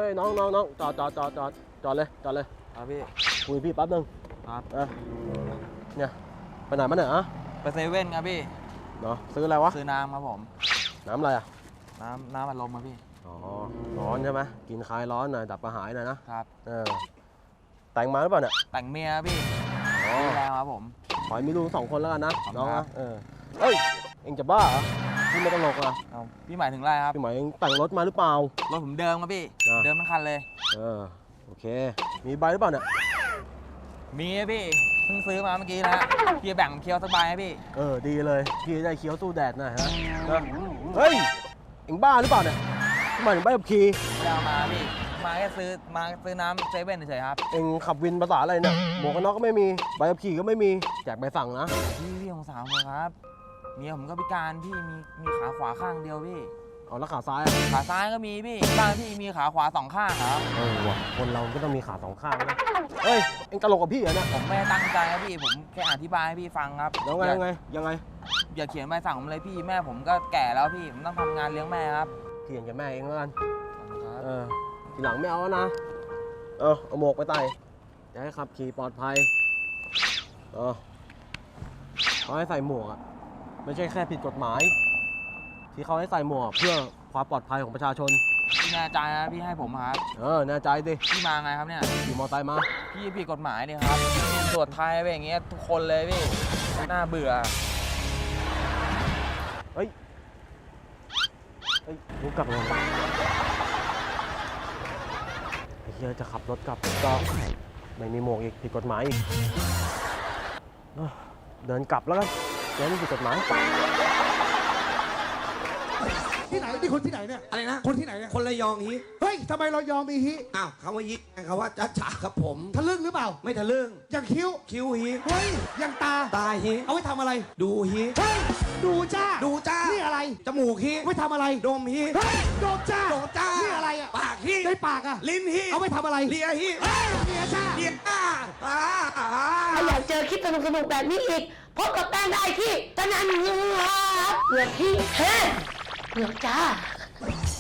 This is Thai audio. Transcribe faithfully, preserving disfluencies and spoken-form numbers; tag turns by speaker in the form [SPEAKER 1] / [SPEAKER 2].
[SPEAKER 1] ยน้องน้องน้องจอดจอดจอดจอดจอดเลยจอดเลย
[SPEAKER 2] ครับพี่
[SPEAKER 1] คุยพี่แป๊บนึง
[SPEAKER 2] ครับ
[SPEAKER 1] เออเนี่ยไปไหนมาเนี่ยอะ
[SPEAKER 2] ไปเซเว่นครับพี่
[SPEAKER 1] เนาะซื้ออะไรวะ
[SPEAKER 2] ซื้อน้ำครับผม
[SPEAKER 1] น้ำอะไรอ่ะ
[SPEAKER 2] น้ำน้ำอัดลมครับพี่
[SPEAKER 1] อ๋อร้อนใช่ไหมกินคลายร้อนหน่อยดับกระหายหน่อยนะครับ เออแต่งมาหรือเปล่าเนี่ย
[SPEAKER 2] แต่งเมียครับพี่
[SPEAKER 1] อ๋อ
[SPEAKER 2] มีแล้วครับผม
[SPEAKER 1] ขอให้มีลูกสองคนแล้วกันนะ
[SPEAKER 2] ขอบคุณ
[SPEAKER 1] น้อง
[SPEAKER 2] ครั
[SPEAKER 1] นะ
[SPEAKER 2] บ
[SPEAKER 1] เออเฮ้ยเอ็งจะบ้าเหรอพี่ไม่ตลกอ่ะ
[SPEAKER 2] เอาพี่หมายถึงอะไรครับ
[SPEAKER 1] พี่หมายเอ็งแต่งรถมาหรือเปล่าร
[SPEAKER 2] ถผมเดิมครับพี่
[SPEAKER 1] อ่า
[SPEAKER 2] เดิมทั้งคันเลย
[SPEAKER 1] เออโอเค มีใบหรือเปล่าเนี่ย
[SPEAKER 2] มีครับพี่ เพิ่งซื้อมาเมื่อกี้นะฮะพี่แบ่งเคี้ยวสบายครับพี่
[SPEAKER 1] เออดีเลยพี่จะได้เคี้ยวสู้แดดหน่อยฮะนะเฮ้ยเอ็งบ้าหรือเปล่าเนี่ยทำไมถึงใบขับขี่
[SPEAKER 2] ไม่ได้เอามาพี่ มาแค่ซื้อ มาซื้อน้ำเซเว่นเฉยๆครับ
[SPEAKER 1] เอ็งขับวินภาษาอะไรเนี่ยหมวกกันน็อกก็ไม่มีใบขับขี่ก็ไม่มีแจกใบสั่งนะ
[SPEAKER 2] พี่พี่ของสาวผมครับ เมียผมก็พิการพี่ มีมีขาขวาข้างเดียวพี่
[SPEAKER 1] เอาแล้วขาซ้ายอะ
[SPEAKER 2] ขาซ้ายก็มีพี่ บ้านพี่มีขาขวาสองข้างครับ
[SPEAKER 1] เออว่ะคนเราก็ต้องมีขาสองข้างนะเฮ้ยเอ็งตลกกับพี่เหรอเนี่ย
[SPEAKER 2] ผมไม่ได้ตั้งใจครับพี่ ผมแค่อธิบายให้พี่ฟังครับ
[SPEAKER 1] แล้วไง
[SPEAKER 2] อย่า
[SPEAKER 1] ยังไงยังไง
[SPEAKER 2] อย่าเขียนใบสั่งผมเลยพี่ แม่ผมก็แก่แล้วพี่ ผมต้องทำงานเลี้ยงแม่ครับ
[SPEAKER 1] เถียงกับแม่เองแล้วกัน
[SPEAKER 2] ครับ
[SPEAKER 1] เออทีหลังไม่เอาแล้วนะเออเอาหมวกไปใส่จะให้ขับขี่ปลอดภัยเออเขาให้ใส่หมวกอะไม่ใช่แค่ผิดกฎหมาย ที่เขาให้ใส่หมวกเพื่อความปลอดภัยของประชาชน
[SPEAKER 2] พี่แน่ใจนะพี่ให้ผมครับ
[SPEAKER 1] เออแน่ใจดิ
[SPEAKER 2] พี่มาไงครับเนี่ย
[SPEAKER 1] ขี่มอเตอร์ไซค์มา
[SPEAKER 2] พี่ผิดกฎหมายเนี่ยครับตรวจไทยไปอย่างเงี้ยทุกคนเลยพี่ น่าเบื่อ
[SPEAKER 1] เฮ้ยเฮ้ยรู้กลับเลยไอ้เฮียจะขับรถกลับก็ไม่มีหมวกอีกผิดกฎหมายอีกเออเดินกลับแล้วกันแกนี่ผิดกฎหมาย
[SPEAKER 3] ที่ไหนนี่คนที่ไหนเนี่ย
[SPEAKER 4] อะไรนะ
[SPEAKER 3] คนที่ไหนเนี่ย
[SPEAKER 4] คนระยองฮิ
[SPEAKER 3] เฮ้ยทำไมเรายอมมีฮิ
[SPEAKER 4] อ้าวคำว่าฮิคำว่าจ้าจ๋าครับผม
[SPEAKER 3] ทะลึ่งหรือเปล่า
[SPEAKER 4] ไม่ทะลึ่ง
[SPEAKER 3] อย่างคิ้ว
[SPEAKER 4] คิ้วฮิ
[SPEAKER 3] เฮ้ยอย่างตา
[SPEAKER 4] ตาฮิ
[SPEAKER 3] เอาไว้ทำอะไร
[SPEAKER 4] ดูฮิ
[SPEAKER 3] เฮ้ยดูจ้า
[SPEAKER 4] ดูจ้า
[SPEAKER 3] นี่อะไร
[SPEAKER 4] จมูกฮิ
[SPEAKER 3] เอาไว้ทำอะไร
[SPEAKER 4] ดมฮิ
[SPEAKER 3] เฮ้ยโดมจ้า
[SPEAKER 4] โดจ้า
[SPEAKER 3] นี่อะไรอ่ะ
[SPEAKER 4] ปากฮิ
[SPEAKER 3] ในปากอ่ะ
[SPEAKER 4] ลิ้นฮิ
[SPEAKER 3] เอาไว้ทำอะไร
[SPEAKER 4] เลียฮิ
[SPEAKER 3] เฮ้ยเมียจ้า
[SPEAKER 4] เลียอ้าอ่าอ่า
[SPEAKER 5] ถ้าอยากเจอคลิปสนุกๆแบบนี้อีก พบกับแป้งได้ที่ตะนันเงือกเหลือกที่เฮ้เหลือกจ้า